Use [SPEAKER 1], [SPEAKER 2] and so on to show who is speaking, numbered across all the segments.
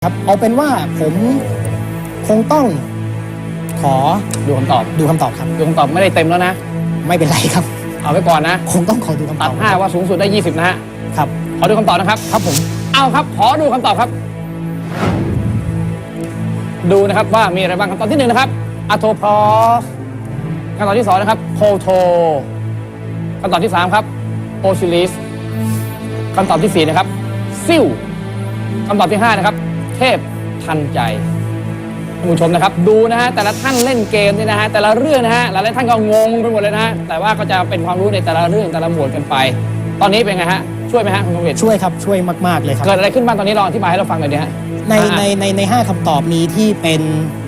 [SPEAKER 1] ครับเอาเป็นว่าผมคงต้องขอ
[SPEAKER 2] ดูคำตอบ
[SPEAKER 1] ครับ
[SPEAKER 2] ดูคำตอบไม่ได้เต็มแล้วนะ
[SPEAKER 1] ไม่เป็นไรครับ
[SPEAKER 2] เอาไว้ก่อนนะ
[SPEAKER 1] คงต้องขอดูคำต
[SPEAKER 2] ตั
[SPEAKER 1] อ
[SPEAKER 2] ด
[SPEAKER 1] บ
[SPEAKER 2] 5ว่าสูงสุดได้20นะฮะ
[SPEAKER 1] ครับ
[SPEAKER 2] ขอดูคำตอบนะครับ
[SPEAKER 1] ครับผม
[SPEAKER 2] เอาครับขอดูคำตอบครับ ดูนะครับว่ามีอะไรบ้างคำตอบที่1นะครับอะโทพอสคำตอบที่2นะครับโคโทคำตอบที่3ครับโอซิลิสคำตอบที่4นะครับซิลคำตอบที่5นะครับเทพทันใจท่านผู้ชมนะครับดูนะฮะแต่ละท่านเล่นเกมนี่นะฮะแต่ละเรื่องนะฮะหลายๆท่านก็งงไปหมดเลยนะฮะแต่ว่าก็จะเป็นความรู้ในแต่ละเรื่องแต่ละหมวดกันไป ตอนนี้เป็นไงฮะช่วยไหมฮะคุณกงเวท
[SPEAKER 1] ช่วยครับช่วยมากๆเลยครับ
[SPEAKER 2] เกิดอะไรขึ้นบ้างตอนนี้ลองอธิบายให้เราฟังหน่อยดิฮะ
[SPEAKER 1] ใน5คำตอบมีที่เป็น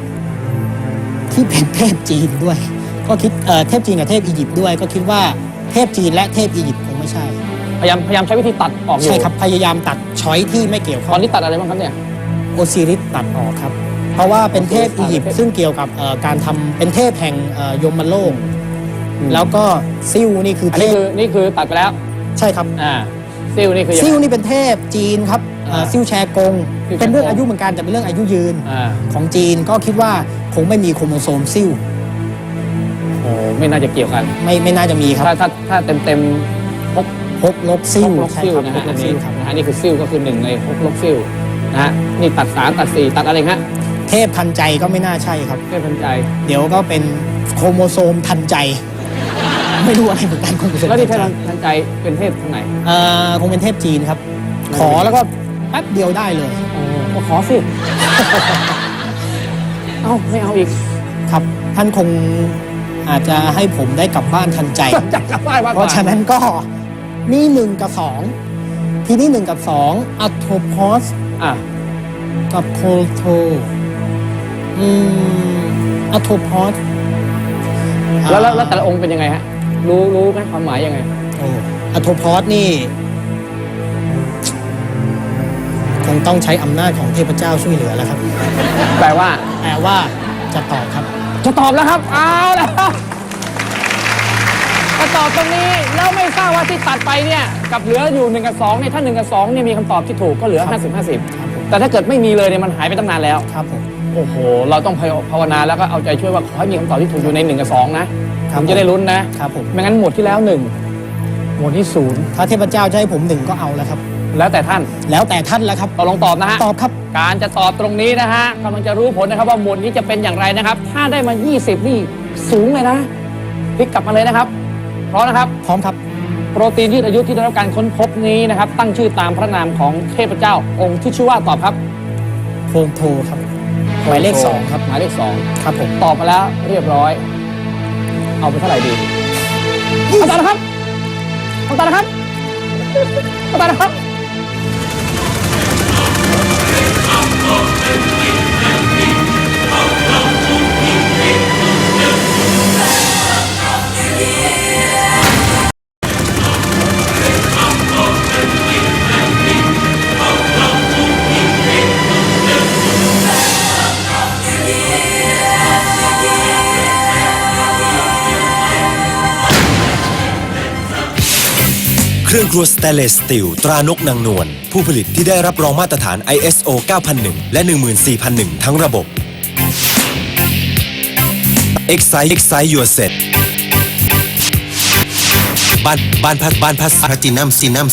[SPEAKER 1] เทพจีนด้วยก็คิดเทพจีนกับเทพอียิปต์ด้วยก็คิดว่าเทพจีนและเทพอียิปต์คงไม่ใช่
[SPEAKER 2] พยายามใช้วิธีตัดออกอยู่
[SPEAKER 1] ใช่ครับพยายามตัดช้อยที่ไม่เกี่ยว
[SPEAKER 2] ต
[SPEAKER 1] ข้
[SPEAKER 2] อ
[SPEAKER 1] อน ง
[SPEAKER 2] นี้ตัดอะไรบ้างครับเนี่ย
[SPEAKER 1] โอซิริสตัดออกครับเพราะว่าเป็นเทพอียิปต์ซึ่งเกี่ยวกับการทำเป็นเทพแห่งยมโลกแล้วก็ซิลนี่คือ
[SPEAKER 2] อัน
[SPEAKER 1] เท
[SPEAKER 2] นี้
[SPEAKER 1] พ
[SPEAKER 2] คือตัดไปแล้ว
[SPEAKER 1] ใช่ครับ
[SPEAKER 2] ซิลนี่คือยัง
[SPEAKER 1] ซิล
[SPEAKER 2] ไง
[SPEAKER 1] นี่เป็นเทพจีนครับซิลแชกง
[SPEAKER 2] ซิลแชกง
[SPEAKER 1] เป็นเรื่องอายุเหมือนกันแต่เป็นเรื่องอายุยืน
[SPEAKER 2] อ่า
[SPEAKER 1] ของจีนก็คิดว่าคงไม่มีโครโมโซมซิล
[SPEAKER 2] โอ้ไม่น่าจะเกี่ยวกัน
[SPEAKER 1] ไม่น่าจะมีครับ
[SPEAKER 2] ถ้าเต็มพก
[SPEAKER 1] พกลบซิล
[SPEAKER 2] ลก
[SPEAKER 1] ใช่
[SPEAKER 2] ซิล
[SPEAKER 1] ครับ
[SPEAKER 2] นะ
[SPEAKER 1] พ
[SPEAKER 2] ฮะ
[SPEAKER 1] กล
[SPEAKER 2] อัน
[SPEAKER 1] บซิ
[SPEAKER 2] นี้
[SPEAKER 1] ลครับ
[SPEAKER 2] นะฮะนี่คือซิลก็คือ1ในพกลบซิลนะฮะนี่ตัด3ตัด4ตัดอะไรฮะ
[SPEAKER 1] เทพทันใจก็ไม่น่าใช่ครับ
[SPEAKER 2] เพื่อทันใจ
[SPEAKER 1] เดี๋ยวก็เป็นโครโมโซมทันใจ ไม่รู้อะไรเหมือนกันโครโมโซม
[SPEAKER 2] แล้วที่เท
[SPEAKER 1] ทั
[SPEAKER 2] พ
[SPEAKER 1] นใจ
[SPEAKER 2] ทันใจเป็นเทพทางไหน
[SPEAKER 1] คงเป็นเทพจีนครับ ขอแล้วก็แป๊บเดียวได้เลย
[SPEAKER 2] โอ้ก็ขอสิ เอ้าไม่เอาอีก
[SPEAKER 1] ครับ ท่านคงอาจจะให้ผมได้กลับบ้านทันใจ
[SPEAKER 2] จะกลับบ้านมากก
[SPEAKER 1] เพ
[SPEAKER 2] ว่า
[SPEAKER 1] ราะฉะนั้นก็นี่1กับ2ทีนี้1กับ2อัตโทพอส
[SPEAKER 2] อ่ะ
[SPEAKER 1] กับโคโทอัตโทพอส
[SPEAKER 2] แล้วแต่ละองค์เป็นยังไงฮะรู้ไหมความหมายยังไง
[SPEAKER 1] อัตโทพอสนี่คงต้องใช้อำนาจของเทพเจ้าช่วยเหลือแล้วครับ
[SPEAKER 2] แปลว่า
[SPEAKER 1] แต่ว่าจะตอบครับ
[SPEAKER 2] จะตอบแล้วครับ เอาแล้วจะตอบตรงนี้แล้วไม่ทราบว่าที่ตัดไปเนี่ยกับเหลืออยู่1กับ2เนี่ยถ้า1กับ2เนี่ยมีคำตอบที่ถูกก็เหลือ
[SPEAKER 1] ครับ
[SPEAKER 2] 50-50 แต่ถ้าเกิดไม่มีเลยเนี่ยมันหายไปตั้งนานแล้ว
[SPEAKER 1] ครับผม
[SPEAKER 2] โอ้โห เราต้องภาวนาแล้วก็เอาใจช่วยว่าขอให้มีคำตอบที่ถูกอยู่ใน1กับ2นะครับ ผมจะได้ลุ้นนะครับ
[SPEAKER 1] ผม
[SPEAKER 2] ไม่งั้นหมวดที่แล้ว1หมวดที่0
[SPEAKER 1] ถ้าเทพเจ้าจะให้ผม1ก็เอาแล้วครับ
[SPEAKER 2] แล้วแต่ท่าน
[SPEAKER 1] แล้วแต่ท่านแล้วครับ
[SPEAKER 2] ตกลงตอบนะฮะ
[SPEAKER 1] ตอบครับ
[SPEAKER 2] การจะตอบตรงนี้นะฮะกำลังจะรู้ผลนะครับว่าหมวดนี้จะเป็นอย่างไรนะครับ ถ้าได้มา 20 นี่สูงเลยนะพลิกกลับมาเลยนะครับเพราะนะครับ
[SPEAKER 1] พร้อมครับ
[SPEAKER 2] โปรตีนยืดอายุที่ได้รับการค้นพบนี้นะครับ ตั้งชื่อตามพระนามของเทพเจ้า องค์ที่ชื่อว่าตอบครับ
[SPEAKER 1] โครโทครับ หมายเลข2ครับ
[SPEAKER 2] หมายเลข
[SPEAKER 1] ครับผม
[SPEAKER 2] 2ตอบมาแล้วเรียบร้อย เอาไปเท่าไหร่ดีเอาตานะครับเอาตานะครับเอาตานะครับ
[SPEAKER 3] เครื่องครัวสเตนเลสสตีลตรานกนางนวลผู้ผลิตที่ได้รับรองมาตรฐาน ISO 9001 และ 14001 ทั้งระบบ Excite Your Set บ้านพัสพลาตินัมซีนัม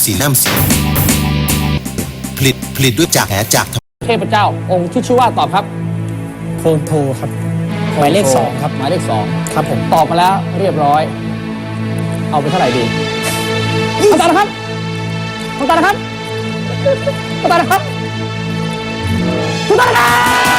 [SPEAKER 3] ผลิตด้วยจาก
[SPEAKER 2] เทพเจ้า องค์ที่ชื่อว่าตอบครับ
[SPEAKER 1] โครโทครับ หมายเลข2ครับ
[SPEAKER 2] หมายเลข2
[SPEAKER 1] ครับผม
[SPEAKER 2] ตอบมาแล้วเรียบร้อย เอาไปเท่าไหร่ดีเอาตานะครับเอาตานะครับเอาตานะครับเอาตานะครับ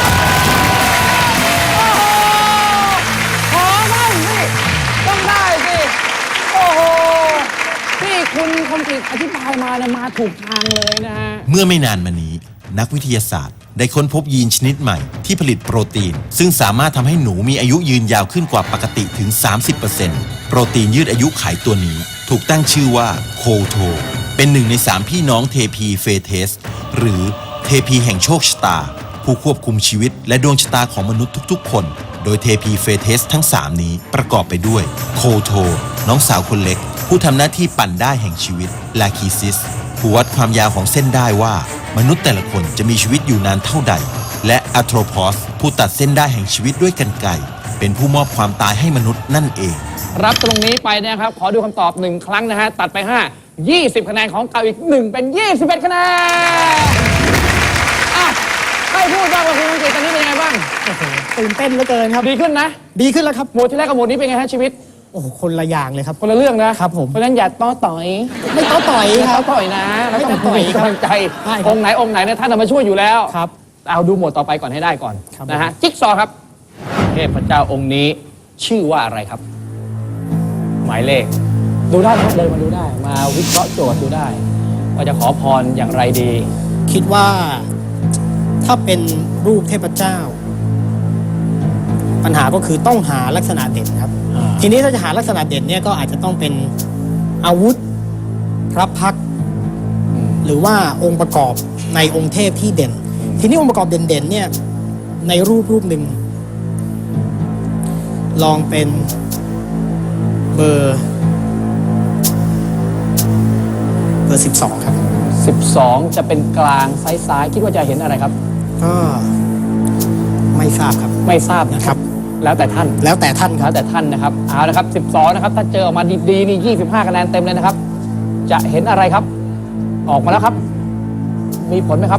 [SPEAKER 2] โอ้โหขอบ้างสิต้องได้สิโอ้โหที่คุณคมกฤษอธิบายมาเนี่ยมาถูกทางเลยนะฮะ
[SPEAKER 3] เมื่อไม่นานมานี้ นักวิทยาศาสตร์ได้ค้นพบยีนชนิดใหม่ที่ผลิตโปรตีน ซึ่งสามารถทำให้หนูมีอายุยืนยาวขึ้นกว่าปกติถึง 30% โปรตีนยืดอายุไขตัวนี้ถูกตั้งชื่อว่าโคโทเป็น1ใน3พี่น้องเทพีเฟเทสหรือเทพีแห่งโชคชะตา ผู้ควบคุมชีวิตและดวงชะตาของมนุษย์ทุกๆคนโดยเทพีเฟเทสทั้ง3นี้ประกอบไปด้วยโคโทน้องสาวคนเล็กผู้ทำหน้าที่ปั่นได้แห่งชีวิตลาคีซิสผู้วัดความยาวของเส้นได้ว่ามนุษย์แต่ละคนจะมีชีวิตอยู่นานเท่าใด และอัโทรพอสผู้ตัดเส้นได้แห่งชีวิตด้วยกรรไกรเป็นผู้มอบความตายให้มนุษย์นั่นเอง
[SPEAKER 2] รับตรงนี้ไปนะครับ ขอดูคำตอบ1ครั้งนะฮะ ตัดไป 5 20 คะแนนของเก่าอีก 1 เป็น 21 คะแนนอ่ะให้พูดบ้างว่าคุณอังกฤษตอนนี้เป็นยังไงบ้าง
[SPEAKER 1] โอ้โหตื่นเต้นเหลือเกินครับ
[SPEAKER 2] ดีขึ้นนะ
[SPEAKER 1] ดีขึ้นแล้วครับ
[SPEAKER 2] หมวดที่แรกกับหมวดนี้เป็นไงฮะชีวิต
[SPEAKER 1] โอ้โหคนละอย่างเลยครับ
[SPEAKER 2] คนละเรื่องนะครับ
[SPEAKER 1] ผม
[SPEAKER 2] เพราะฉะนั้นอย่าต้อต่อย
[SPEAKER 1] ไม่ต้อต่อย
[SPEAKER 2] อย่า
[SPEAKER 1] ค
[SPEAKER 2] ต้
[SPEAKER 1] รั
[SPEAKER 2] อบ ต่อยนะแล้ว
[SPEAKER 1] ไม่ต้
[SPEAKER 2] ต้
[SPEAKER 1] อ
[SPEAKER 2] อง
[SPEAKER 1] ต่อย
[SPEAKER 2] มีกำลังใจ
[SPEAKER 1] ใช่ครับ
[SPEAKER 2] องค์ไหนเนี่ยท่านเอามาช่วยอยู่แล้ว
[SPEAKER 1] ครับ
[SPEAKER 2] เอาดูหมวดต่อไปก่อนให้ได้ก่อน
[SPEAKER 1] ครับ
[SPEAKER 2] นะฮะจิ๊กซอว์ครับเทพเจ้าองค์นี้ชื่อว่าอะไรครับ หมายเลข ดูได้นะครับเดินมาดูได้ มาวิเคราะห์โจทย์ดูได้ ว่าจะขอพรอย่างไรดี
[SPEAKER 1] คิดว่าถ้าเป็นรูปเทพเจ้า ปัญหาก็คือต้องหาลักษณะเด่นครับ
[SPEAKER 2] อ่า
[SPEAKER 1] ทีนี้ถ้าจะหาลักษณะเด่นเนี่ยก็อาจจะต้องเป็นอาวุธพระพักตร์หรือว่าองค์ประกอบในองค์เทพที่เด่น ทีนี้องค์ประกอบเด่นๆเนี่ยในรูปหนึ่งลองเป็นเบอร์12 ครับ
[SPEAKER 2] 12 จะเป็นกลางซ้ายๆคิดว่าจะเห็นอะไรครับ
[SPEAKER 1] ก็ไม่ทราบครับ
[SPEAKER 2] ไม่ทราบนะครับ แล้วแต่ท่าน
[SPEAKER 1] แล้วแต่ท่านค
[SPEAKER 2] แล้
[SPEAKER 1] รับ
[SPEAKER 2] วแต่ท่านนะครับเอาละครับ 12 นะครับ ถ้าเจอออกมาดีๆนี่ 25 คะแนนเต็มเลยนะครับ จะเห็นอะไรครับ ออกมาแล้วครับ มีผลไหมครับ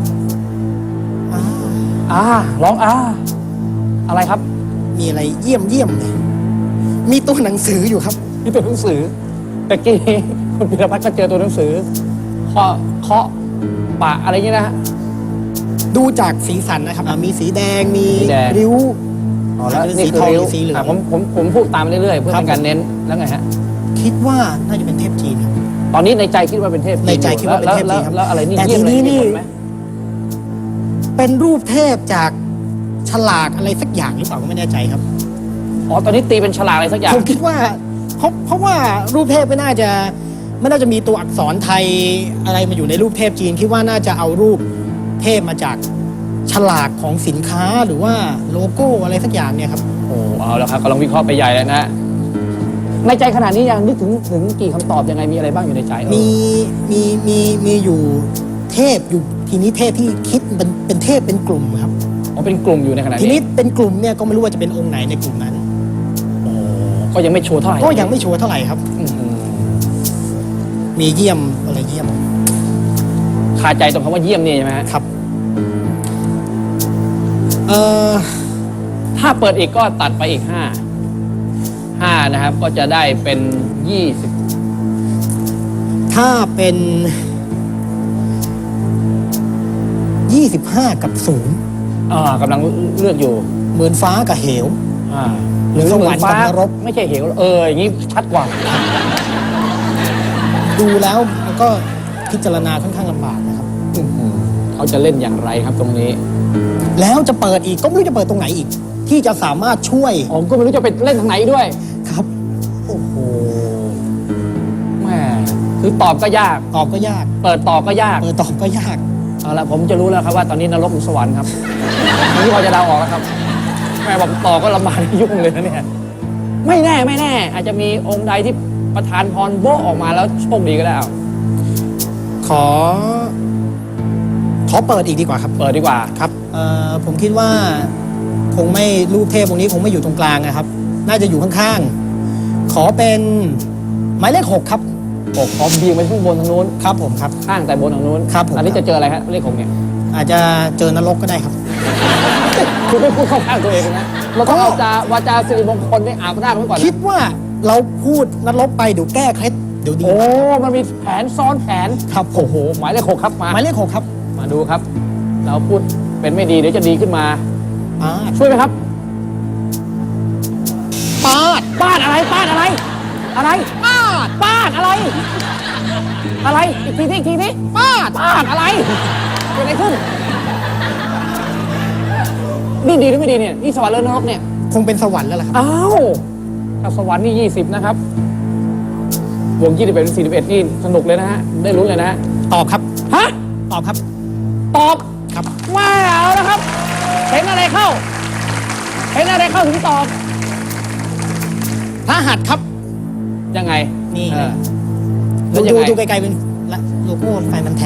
[SPEAKER 2] ร้องอะไรครับ
[SPEAKER 1] มีอะไรเยี่ยมเลยมีตัวหนังสืออยู่ครับ
[SPEAKER 2] นี่ตัวหนังสือตะกี้คุณพิรพัฒน์ก็เจอตัวหนังสือเคาะปะอะไรอย่างนี้นะฮะ
[SPEAKER 1] ดูจากสีสันนะครับมีสีแดงมี
[SPEAKER 2] สีแดง
[SPEAKER 1] ริ้ว
[SPEAKER 2] แล้ว
[SPEAKER 1] เป็น
[SPEAKER 2] นี่
[SPEAKER 1] สี
[SPEAKER 2] คือ
[SPEAKER 1] ทอง
[SPEAKER 2] ริ้ว
[SPEAKER 1] สีเหลือง
[SPEAKER 2] ผมพูดตามเรื่อยๆเพื่อ
[SPEAKER 1] ครับ
[SPEAKER 2] เป็นการเน้นแล้วไงฮะ
[SPEAKER 1] คิดว่าน่าจะเป็นเทพจีนครับ
[SPEAKER 2] ตอนนี้ในใจคิดว่าเป็นเทพจีน
[SPEAKER 1] ในใจคิดว่าเป็นเทพจีนครับ
[SPEAKER 2] แล้วอะไรนี่
[SPEAKER 1] แต่
[SPEAKER 2] เยี่ยม
[SPEAKER 1] ที
[SPEAKER 2] เลย
[SPEAKER 1] นี้
[SPEAKER 2] มี
[SPEAKER 1] นี่
[SPEAKER 2] ผลไหม
[SPEAKER 1] เป็นรูปเทพจากฉลากอะไรสักอย่างหรือเปล่าก็ไม่แน่ใจครับ
[SPEAKER 2] อ๋อตอนนี้ตีเป็นฉลากอะไรสักอย่าง
[SPEAKER 1] ผมคิดว่าเพราะว่ารูปเทพไม่น่าจะมีตัวอักษรไทยอะไรมาอยู่ในรูปเทพจีนคิดว่าน่าจะเอารูปเทพมาจากฉลากของสินค้าหรือว่าโลโก้อะไรสักอย่างเนี่ยครับ
[SPEAKER 2] โอ้เอาแล้วครับกำลังวิเคราะห์ไปใหญ่แล้วนะ ในใจขนาดนี้ยังนึกถึงกี่คำตอบยังไงมีอะไรบ้างอยู่ในใจเออ
[SPEAKER 1] มีอยู่เทพอยู่ทีนี้เทพที่คิดเป็นเทพเป็นกลุ่มครับ
[SPEAKER 2] อ๋อเป็นกลุ่มอยู่ในขณะ
[SPEAKER 1] ที
[SPEAKER 2] นี้
[SPEAKER 1] นี้เป็นกลุ่มเนี่ยก็ไม่รู้ว่าจะเป็นองค์ไหนในกลุ่มนั้น
[SPEAKER 2] ก็ยังไม่ชัวร์เท่าไหร่
[SPEAKER 1] ก็ยังไม่ชัวร์เท่าไหร่ครับ
[SPEAKER 2] อื้อหือ
[SPEAKER 1] มีเยี่ยมอะไรเยี่ยม
[SPEAKER 2] คาใจตรงคำว่าเยี่ยมนี่ใช่ไหมฮะ
[SPEAKER 1] ครับ
[SPEAKER 2] ถ้าเปิดอีกก็ตัดไปอีก5นะครับ ก็จะได้เป็น20
[SPEAKER 1] ถ้าเป็น 25 กับ0
[SPEAKER 2] กำลังเลือกอยู่
[SPEAKER 1] เหมือนฟ้ากับเหว
[SPEAKER 2] หรือ
[SPEAKER 1] ส
[SPEAKER 2] เห
[SPEAKER 1] ว
[SPEAKER 2] มื
[SPEAKER 1] ร
[SPEAKER 2] อ
[SPEAKER 1] ร
[SPEAKER 2] น
[SPEAKER 1] ค์
[SPEAKER 2] ฟ้า
[SPEAKER 1] กับนรก
[SPEAKER 2] ไม่ใช่เหวอย่างนี้ชัดกว่า
[SPEAKER 1] ดูแล้วมันก็พิจารณาค่อนข้างลำบากนะครับ
[SPEAKER 2] เขาจะเล่นอย่างไรครับตรงนี้
[SPEAKER 1] แล้วจะเปิดอีกก็ไม่รู้จะเปิดตรงไหนอีก ที่จะสามารถช่วย
[SPEAKER 2] ผมก็ไม่รู้จะไปเล่นทางไหนด้วย
[SPEAKER 1] ครับ
[SPEAKER 2] โอ้โหแม่คือตอบก็ยาก
[SPEAKER 1] ตอบก็ยาก
[SPEAKER 2] เปิดต่อก็ยาก
[SPEAKER 1] เปิดตอบก็ยาก
[SPEAKER 2] เอาละผมจะรู้แล้วครับว่าตอนนี้นรกหรือสวรรค์ครับผมที่พอจะเดาออกแล้วครับแม่บอกต่อก็ลำบากยุ่งเลยนะเนี่ยไม่แน่ อาจจะมีองค์ใดที่ประทานพรโบ๊ะออกมาแล้วโชคดีก็ได้เอา
[SPEAKER 1] ขอเปิดอีกดีกว่าครับ
[SPEAKER 2] เปิดดีกว่า
[SPEAKER 1] ครับผมคิดว่าคงไม่รูปเทพองค์นี้คงไม่อยู่ตรงกลางนะครับ น่าจะอยู่ข้างๆ ขอเป็นหมายเลข 6 ครับ
[SPEAKER 2] อกพร้อมเบียงไปข้างบนทางนู้น
[SPEAKER 1] ครับผมครับ
[SPEAKER 2] ข้างแต่บนทางนู้น
[SPEAKER 1] ครับผม
[SPEAKER 2] อันนี้จะเจออะไรฮะเลข6เนี่ย
[SPEAKER 1] อาจจะเจอนรกก็ได้ครับ
[SPEAKER 2] คุณไม่พูดเข้าข้างตัวเองนะเราต้องวาจาสิริมงคลไม่อาบหน้าไว้ก่อน
[SPEAKER 1] คิดว่าเราพูดนรกไปเดี๋ยวแก้เคล็ดเดี๋ยวดี
[SPEAKER 2] โอ้มันมีแผนซ้อนแผน
[SPEAKER 1] ครับผม
[SPEAKER 2] โอ้โหหมายเลข6ครับมา
[SPEAKER 1] หมายเลข 6 ครับ
[SPEAKER 2] มาดูครับ เราพูดเป็นไม่ดีเดี๋ยวจะดีขึ้นมา
[SPEAKER 1] ปาด
[SPEAKER 2] ช่วยไหมครับ
[SPEAKER 1] ปาด
[SPEAKER 2] ป้านอะไรป้านอะไร อะไรป้านป้านอะไร อะไรอีกทีนี้ป้านป้านอะไรเกิดอะไรขึ้นนี่ดีหรือไม่ดีเนี่ยนี่สวรรค์หรือนรกเนี่ย
[SPEAKER 1] คงเป็นสวรรค์แล้วล่ะครับ
[SPEAKER 2] อ้าวถ้าสวรรค์นี่20นะครับวง21เป็น41นี่สนุกเลยนะฮะได้ลุ้นเลยนะฮะ
[SPEAKER 1] ตอบครับ
[SPEAKER 2] ฮะ
[SPEAKER 1] ตอบครับ
[SPEAKER 2] ตอบ
[SPEAKER 1] ครับ
[SPEAKER 2] ไม่เอานะครับเห็นอะไรเข้าถึงตอบ
[SPEAKER 1] พระหัตถ์ครับ
[SPEAKER 2] ยังไง
[SPEAKER 1] นี่
[SPEAKER 2] เออ
[SPEAKER 1] ดู
[SPEAKER 2] แล้วยังไง
[SPEAKER 1] ดูไกลๆเป็นละโลโก้ไฟมันแท้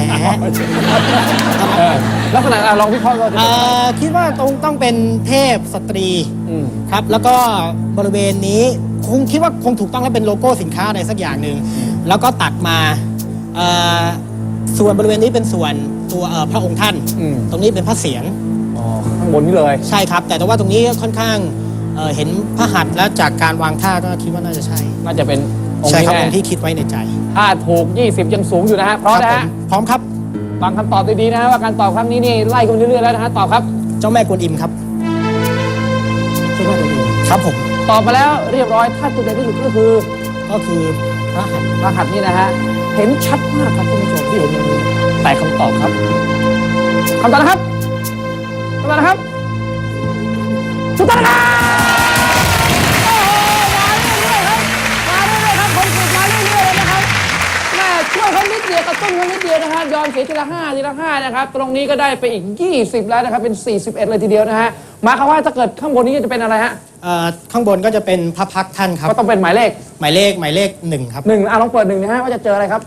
[SPEAKER 2] ลักษณะลองวิเคราะห์ว่า
[SPEAKER 1] คิดว่าต้องเป็นเทพสตรี ครับ แล้วก็บริเวณนี้คิดว่าคงถูกต้องแล้วเป็นโลโก้สินค้าอะไรสักอย่างหนึ่งแล้วก็ตัดมาส่วนบริเวณนี้เป็นส่วนตัวพระองค์ท่าน ตรงนี้เป็นพระเศียร
[SPEAKER 2] ข้างบนนี้เลย
[SPEAKER 1] ใช่ครับ แต่ว่าตรงนี้ค่อนข้างเห็นพระหัตถ์แล้วจากการวางท่าก็คิดว่าน่าจะใช่
[SPEAKER 2] น่าจะเป็นองค์
[SPEAKER 1] ใช่
[SPEAKER 2] นี้
[SPEAKER 1] ครับ
[SPEAKER 2] แน่
[SPEAKER 1] องค์ที่คิดไว้ในใจ
[SPEAKER 2] ถ้าถูก 20 ยังสูงอยู่นะฮะพร้อมนะ
[SPEAKER 1] ค
[SPEAKER 2] ฮะ
[SPEAKER 1] บผมพร้อมครับ
[SPEAKER 2] ฟังคำตอบดีๆนะฮะว่าการตอบครั้งนี้นี่ไล่กันเรื่อยๆแล้วนะฮะตอบครับ
[SPEAKER 1] เจ้าแม่กวนอิมครับ
[SPEAKER 2] เจ้าแม่กวนอิม
[SPEAKER 1] ครับผม
[SPEAKER 2] ตอบมาแล้วเรียบร้อยถ้าจุดเด่นที่สุดก็คือ
[SPEAKER 1] ก็คือพระหัตถ์
[SPEAKER 2] รหัสนี่นะฮะเห็นชัดมากครับคุณผู้ชมที่เห็นอย่างนี้แต่คำตอบครับคำตอบนะครับคำตอบนะครับถูกต้องนะครับโอ้โหมาเรื่อยๆครับมาเรื่อยๆครับคนฝึกมาเรื่อยๆเลยนะครับแม่ช่วยเขานิดเดียวกระตุ้นเขานิดเดียวนะฮะยอมเสียทีละ5นะครับตรงนี้ก็ได้ไปอีก20แล้วนะครับเป็น41เลยทีเดียวนะฮะหมายความว่าถ้าเกิดข้างบนนี้จะเป็นอะไรฮะ
[SPEAKER 1] ข้างบนก็จะเป็นพระพักตร์ท่านครับ
[SPEAKER 2] ก็ต้องเป็นหมายเลข
[SPEAKER 1] หมายเลข1ครับ
[SPEAKER 2] ลองเปิด1นะฮะว่าจะเจออะไรครับ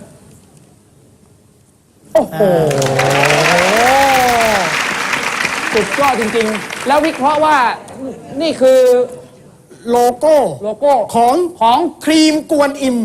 [SPEAKER 2] โอ้โหสุดยอดจริงๆ แล้ววิเคราะห์ว่านี่คือ
[SPEAKER 1] โลโก้
[SPEAKER 2] โลโก้
[SPEAKER 1] ของครีมกวนอิม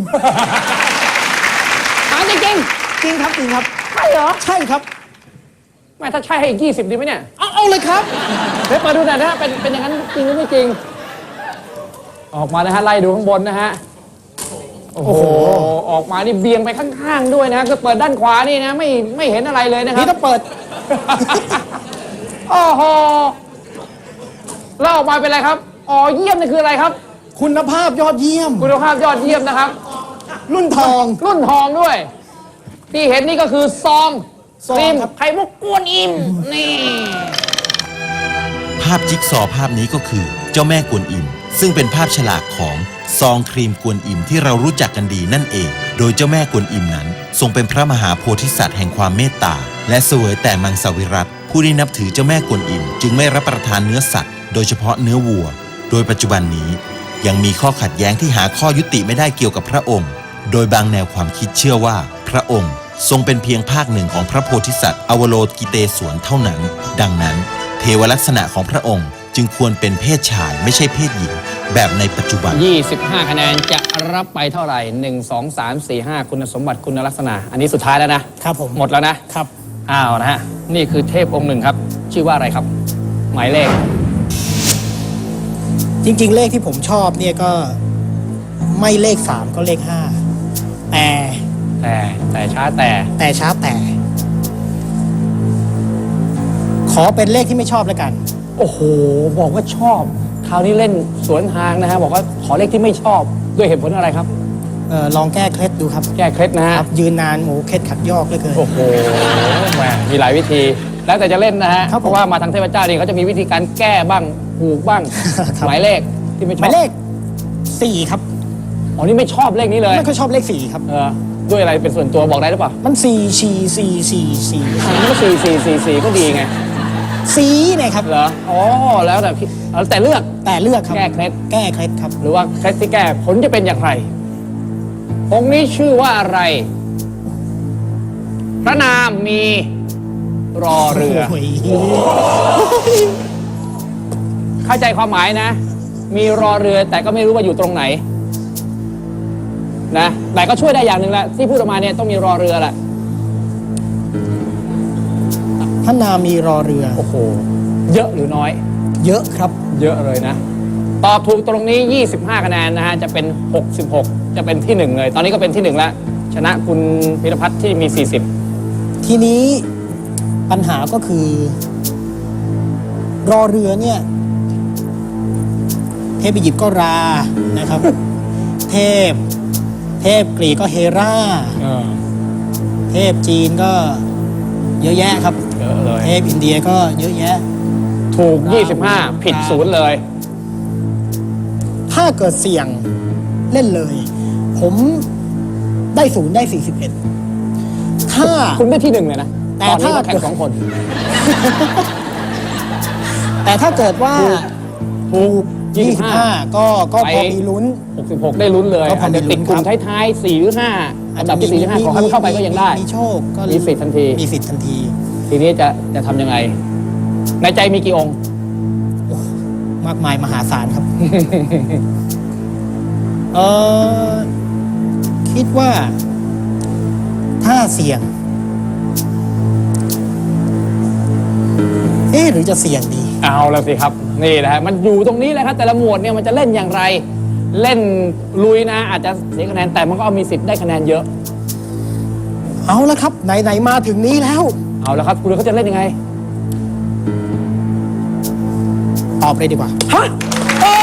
[SPEAKER 2] ถามจริง
[SPEAKER 1] จริงครับจริงครับ
[SPEAKER 2] ๆใช่เหรอ
[SPEAKER 1] ใช่ครับ
[SPEAKER 2] ไม่ถ้าใช่ให้อีก20ดีไหมเนี่ย
[SPEAKER 1] เอาเลยครับ
[SPEAKER 2] เดี๋ยวเปิดดูหน่อยนะฮะเป็นอย่างนั้นจริงหรือไม่จริง ออกมานะฮะไล่ดูข้างบนนะฮะโอ้โหออกมานี่เบียงไปข้างๆด้วยนะก็เปิดด้านขวานี่นะไม่เห็นอะไรเลยนะครับ
[SPEAKER 1] นี่ต้องเปิด
[SPEAKER 2] โอ้โหแล้วออกมาเป็นอะไรครับอ๋อเยี่ยมนี่คืออะไรครับ
[SPEAKER 1] คุณภาพยอดเยี่ยม
[SPEAKER 2] คุณภาพยอดเยี่ยมนะครับ
[SPEAKER 1] รุ่นทอง
[SPEAKER 2] รุ่นทองด้วย ที่เห็นนี่ก็คือซอง
[SPEAKER 1] ซอง
[SPEAKER 2] ครีม
[SPEAKER 1] ครับ
[SPEAKER 2] ไข่มุกกวนอิมนี่
[SPEAKER 3] ภาพจิ๊กซอว์ภาพนี้ก็คือเจ้าแม่กวนอิม ซึ่งเป็นภาพฉลากของซองครีมกวนอิมที่เรารู้จักกันดีนั่นเอง โดยเจ้าแม่กวนอิมนั้นทรงเป็นพระมหาโพธิสัตว์แห่งความเมตตา และเสวยแต่มังสวิรัติผู้ที่นับถือเจ้าแม่กวนอิมจึงไม่รับประทานเนื้อสัตว์ โดยเฉพาะเนื้อวัว โดยปัจจุบันนี้ยังมีข้อขัดแย้งที่หาข้อยุติไม่ได้เกี่ยวกับพระองค์ โดยบางแนวความคิดเชื่อว่าพระองค์ทรงเป็นเพียงภาคหนึ่งของพระโพธิสัตว์อวโลกิเตศวรเท่านั้น ดังนั้นเทวลักษณะของพระองค์จึงควรเป็นเพศชายไม่ใช่เพศหญิงแบบในปัจจุบัน
[SPEAKER 2] 25 คะแนนจะรับไปเท่าไหร่ 1 2 3 4 5 คุณสมบัติคุณลักษณะ อันนี้สุดท้ายแล้วนะครับ
[SPEAKER 1] ผม
[SPEAKER 2] หมดแล้วนะครับ อ้าวนะฮะนี่คือเทพองค์หนึ่งครับ ชื่อว่าอะไรครับ หมายเลข
[SPEAKER 1] จริง ๆ เลขที่ผมชอบเนี่ยก็ไม่เลข3ก็เลข5แต่
[SPEAKER 2] ช้าแต่
[SPEAKER 1] ช้าแต่ ขอเป็นเลขที่ไม่ชอบแล้วกัน
[SPEAKER 2] โอ้โห บอกว่าชอบ คราวนี้เล่นสวนทางนะฮะ บอกว่าขอเลขที่ไม่ชอบด้วยเหตุผลอะไรครับ
[SPEAKER 1] ลองแก้เคล็ดดูครับ
[SPEAKER 2] แก้เคล็ดนะฮะ
[SPEAKER 1] ครับ ยืนนานโหเคล็ดขัดยอกเหลยเกิน
[SPEAKER 2] โอ้โหแหมมีหลายวิธี แล้วแต่จะเล่นนะฮะ
[SPEAKER 1] ครับผม
[SPEAKER 2] เพราะว่ามาทางเทพเจ้านี่เขาจะมีวิธีการแก้บ้างผูกบ้าง
[SPEAKER 1] ครับ
[SPEAKER 2] หมายเลขที่ไม่ช
[SPEAKER 1] ห
[SPEAKER 2] อบ
[SPEAKER 1] มายเลข4ครับ
[SPEAKER 2] อ๋อนี่ไม่ชอบเลขนี้เลย
[SPEAKER 1] ไม่ค่อยชอบเลข4ครับ
[SPEAKER 2] ด้วยอะไรเป็นส่วนตัวบอกได้หรือเปล่า
[SPEAKER 1] มัน4
[SPEAKER 2] มันก็4 ก็ดีไง
[SPEAKER 1] สีเนี่ยครับ
[SPEAKER 2] เหรอ อ๋อ แล้วแต่พี่แต่เลือก
[SPEAKER 1] แต่เลือกครับ
[SPEAKER 2] แก้เคล็ด
[SPEAKER 1] แก้เคล็ดครับ
[SPEAKER 2] หรือว่าเคล็ดที่แก้ผลจะเป็นอย่างไร องค์นี้ชื่อว่าอะไร พระนามมีรอเรือ
[SPEAKER 1] โอ้ย
[SPEAKER 2] เข้าใจความหมายนะ มีรอเรือแต่ก็ไม่รู้ว่าอยู่ตรงไหน นะแต่ก็ช่วยได้อย่างหนึ่งแหละที่พูดออกมาเนี่ยต้องมีรอเรือแหละ
[SPEAKER 1] พระนามมีรอเรือ
[SPEAKER 2] โอ้โห เยอะหรือน้อย
[SPEAKER 1] เยอะครับ
[SPEAKER 2] เยอะเลยนะ ตอบถูกตรงนี้ 25 คะแนนนะฮะ จะเป็น 66 จะเป็นที่ 1 เลย ตอนนี้ก็เป็นที่ 1 แล้ว ชนะคุณพิรพัฒน์ที่มี 40
[SPEAKER 1] ทีนี้ปัญหาก็คือ รอเรือเนี่ย เทพอียิปต์ก็รานะครับ เทพกรีกก็เฮรา เทพจีนก็เยอะแยะครับ
[SPEAKER 2] เยอะเลย
[SPEAKER 1] เทพอินเดียก็เยอะแยะ
[SPEAKER 2] ถูก 25 ผิด 0 เลย
[SPEAKER 1] ถ้าเกิดเสี่ยงเล่นเลย ผมได้0ได้41ถ้า
[SPEAKER 2] คุณได้ที่ 1 เลยนะ
[SPEAKER 1] แต่
[SPEAKER 2] ตอนนี้
[SPEAKER 1] ถ้า
[SPEAKER 2] มาแข่ง 2 คน
[SPEAKER 1] แต่ถ้าเกิดว่า
[SPEAKER 2] ถูก
[SPEAKER 1] 25 ก็พอมีลุ้น
[SPEAKER 2] 66 ได้ลุ้นเลย
[SPEAKER 1] ก็พอมีลุ้น
[SPEAKER 2] อาจจะติดกลุ่ม
[SPEAKER 1] ครับ
[SPEAKER 2] ท้ายๆ 4 หรือ 5 อันดับที่4ที่5ขอให้มันเข้าไปก็ยังได้
[SPEAKER 1] มีโชคก็
[SPEAKER 2] มีสิทธิ์ทันที
[SPEAKER 1] มีสิทธิ์ทันที
[SPEAKER 2] ทีนี้จะทำยังไง ในใจมีกี่องค์
[SPEAKER 1] มากมายมหาศาลครับ เออคิดว่า ถ้าเสี่ยง หรือจะเสี่ยงดี
[SPEAKER 2] เอาแล้วสิครับนี่นะฮะมันอยู่ตรงนี้แหละครับแต่ละหมวดเนี่ยมันจะเล่นอย่างไร เล่นลุยนะอาจจะเสียคะแนนแต่มันก็มีสิทธิ์ได้คะแนนเยอะ
[SPEAKER 1] เอาละครับไหนๆมาถึงนี้แล้ว
[SPEAKER 2] เอาแล้วครับคุณเขาจะเล่นยังไง
[SPEAKER 1] ตอบเลยดีกว่า
[SPEAKER 2] ฮะโอ้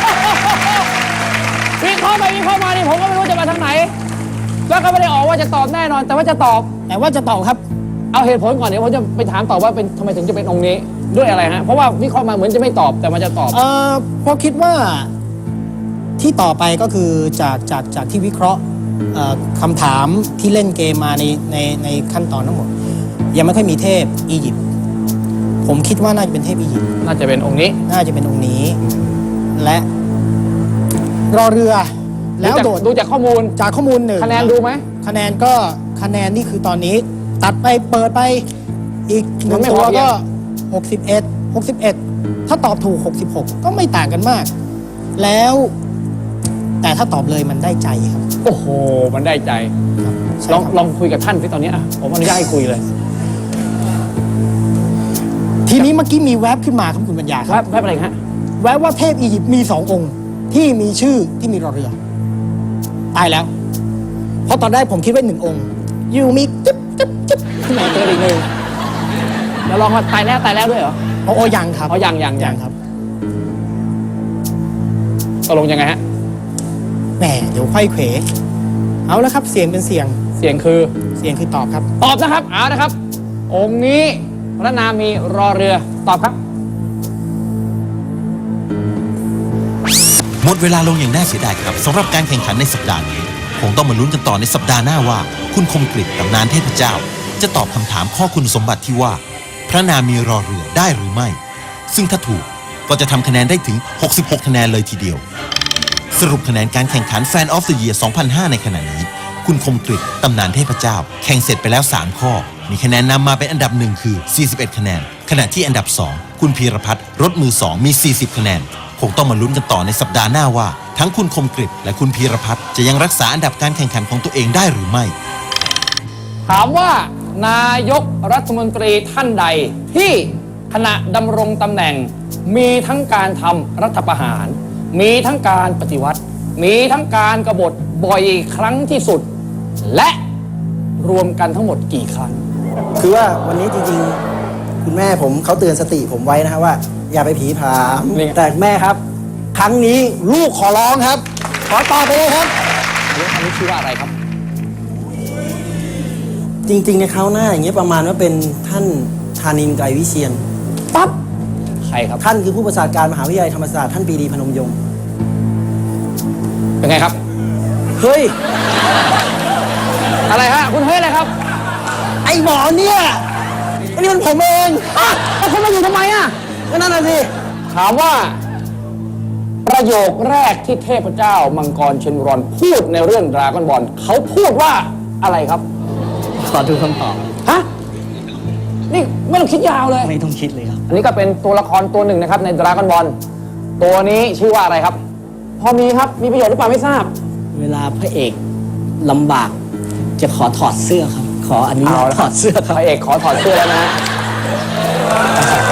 [SPEAKER 2] วิเคราะห์ไปวิเคราะห์มานี่ผมก็ไม่รู้จะมาทางไหน แล้วก็ไม่ได้ออกว่าจะตอบแน่นอน แต่ว่าจะตอบ
[SPEAKER 1] แต่ว่าจะตอบครับ
[SPEAKER 2] เอาเหตุผลก่อนเดี๋ยวผมจะไปถามตอบว่าเป็นทำไมถึงจะเป็นองค์นี้ด้วยอะไรฮะเพราะว่าวิเคราะห์มาเหมือนจะไม่ตอบแต่มันจะตอบ
[SPEAKER 1] เพราะคิดว่าที่ต่อไปก็คือจากที่วิเคราะห์คำถามที่เล่นเกมมาในขั้นตอนทั้งหมดยังไม่ค่อยมีเทพอียิปต์ผมคิดว่าน่าจะเป็นเทพอียิปต์
[SPEAKER 2] น่าจะเป็นองค์นี้
[SPEAKER 1] น่าจะเป็นองค์นี้ และรอเรือแล้วโดด
[SPEAKER 2] ดูจากข้อมูล
[SPEAKER 1] จากข้อมูลหนึ่ง
[SPEAKER 2] คะแนนดูไหม
[SPEAKER 1] คะแนนนี่คือตอนนี้ ตัดไปเปิดไปอีกหนึ่ง
[SPEAKER 2] มันไม่
[SPEAKER 1] ตัว
[SPEAKER 2] พอเพีย
[SPEAKER 1] ก็
[SPEAKER 2] ง
[SPEAKER 1] 61 ถ้าตอบถูก 66 ก็ไม่ต่างกันมาก แล้วแต่ถ้าตอบเลยมันได้ใจครับ
[SPEAKER 2] โอ้โหมันได้ใจ
[SPEAKER 1] ครับใช่
[SPEAKER 2] ลอง
[SPEAKER 1] ครับ
[SPEAKER 2] ลองคุยกับท่านสิตอนนี้อ่ะผมอนุญาตให้คุยเลย
[SPEAKER 1] ทีนี้เมื่อกี้มีแวบขึ้นมาครับคุณปัญญาค
[SPEAKER 2] แว
[SPEAKER 1] รั
[SPEAKER 2] บบ แวบอะไรฮะ
[SPEAKER 1] แวบว่าเทพอียิปต์มี2 องค์ที่มีชื่อที่มีรอเรือ ตายแล้ว เพราะตอนแรกผมคิดว่า1 องค์อยู่มีจิ๊บขึ้นมา
[SPEAKER 2] เจออีกหนึ่งแล้วลองมาตายแล้วด้วยเหรอ
[SPEAKER 1] โอ้ยังครับ
[SPEAKER 2] อ๋อยัง
[SPEAKER 1] ครับ
[SPEAKER 2] ตกลงยังไงฮะ
[SPEAKER 1] แหมเดี๋ยวค่อยเขวเอาแล้วครับเสียงเป็นเสียง
[SPEAKER 2] เสียงคือ
[SPEAKER 1] ตอบครับ
[SPEAKER 2] ตอบนะครับเอานะครับ องค์นี้พระนามมีรอเรือตอบครับ
[SPEAKER 3] หมดเวลาลงอย่างน่าเสียดายครับสำหรับการแข่งขันในสัปดาห์นี้คงต้องมาลุ้นกันต่อในสัปดาห์หน้าว่า คุณคมกฤษตำนานเทพเจ้า จะตอบคำถามข้อคุณสมบัติที่ว่า พระนามมีรอเรือได้หรือไม่ ซึ่งถ้าถูกก็จะทำคะแนนได้ถึง 66 คะแนนเลยทีเดียว สรุปคะแนนการแข่งขัน Fan of the Year 2005 ในขณะนี้ คุณคมกฤษตำนานเทพเจ้า แข่งเสร็จไปแล้ว 3 ข้อ มีคะแนนนำมาเป็นอันดับ 1 คือ 41 คะแนน ขณะที่อันดับ 2 คุณพีรพัฒน์รถมือ 2 มี 40 คะแนน คงต้องมาลุ้นกันต่อในสัปดาห์หน้าว่า ทั้งคุณคมกฤษและคุณพีรพัฒน์จะยังรักษาอันดับการแข่งขันของตัวเองได้หรือไม่
[SPEAKER 2] ถามว่านายกรัฐมนตรีท่านใดที่ขณะดำรงตำแหน่ง มีทั้งการทำรัฐประหาร มีทั้งการปฏิวัติ มีทั้งการกบฏบ่อยครั้งที่สุด และรวมกันทั้งหมดกี่ครั้ง
[SPEAKER 4] คือว่าวันนี้จริงๆ คุณแม่ผมเขาเตือนสติผมไว้นะครับว่า อย่าไปผีผาม
[SPEAKER 2] นี่ไง
[SPEAKER 4] แต่แม่ครับ ครั้งนี้ลูกขอร้องครับ ขอตอบไปเลยครับ
[SPEAKER 2] เรื่องอันนี้ชื่อว่าอะไรครับ
[SPEAKER 4] จริงๆในคราวหน้าอย่างเงี้ยประมาณว่าเป็นท่านธานินทร์ไกรวิเชียน
[SPEAKER 2] ปั๊บ ใครครับ
[SPEAKER 4] ท่านคือผู้ประชาการมหาวิทยาลัยธรรมศาสตร์ท่านปรีดีพนมยงค์
[SPEAKER 2] เป็นไงครับ
[SPEAKER 4] เฮ้ย
[SPEAKER 2] อะไรฮะ คุณเฮ้ยอะไรครับ
[SPEAKER 4] ไอ้หมอเนี่ยอันนี้มันผมเอง
[SPEAKER 2] แล้วคุณมาอยู่ทำไมอ่ะ
[SPEAKER 4] ก็นั่นน่ะสิ
[SPEAKER 2] ถามว่า ประโยคแรกที่เทพเจ้ามังกรเชนรอนพูดในเรื่องดราก้อนบอลเขาพูดว่าอะไรครับ
[SPEAKER 5] ขอดูคำตอบ
[SPEAKER 2] ฮะ นี่ไม่ต้องคิดยาวเลย
[SPEAKER 5] ไม่ต้องคิดเลยครับ
[SPEAKER 2] อันนี้ก็เป็นตัวละครตัวหนึ่งนะครับในดราก้อนบอลตัวนี้ชื่อว่าอะไรครับ พอมีครับมีประโยชน์หรือเปล่าไม่ทราบ
[SPEAKER 5] เวลาพระเอกลำบากจะขอถอดเสื้อครับ ขออนุญาตถอดเสื้อครับ
[SPEAKER 2] พระเอกขอถอดเสื้อแล้วนะ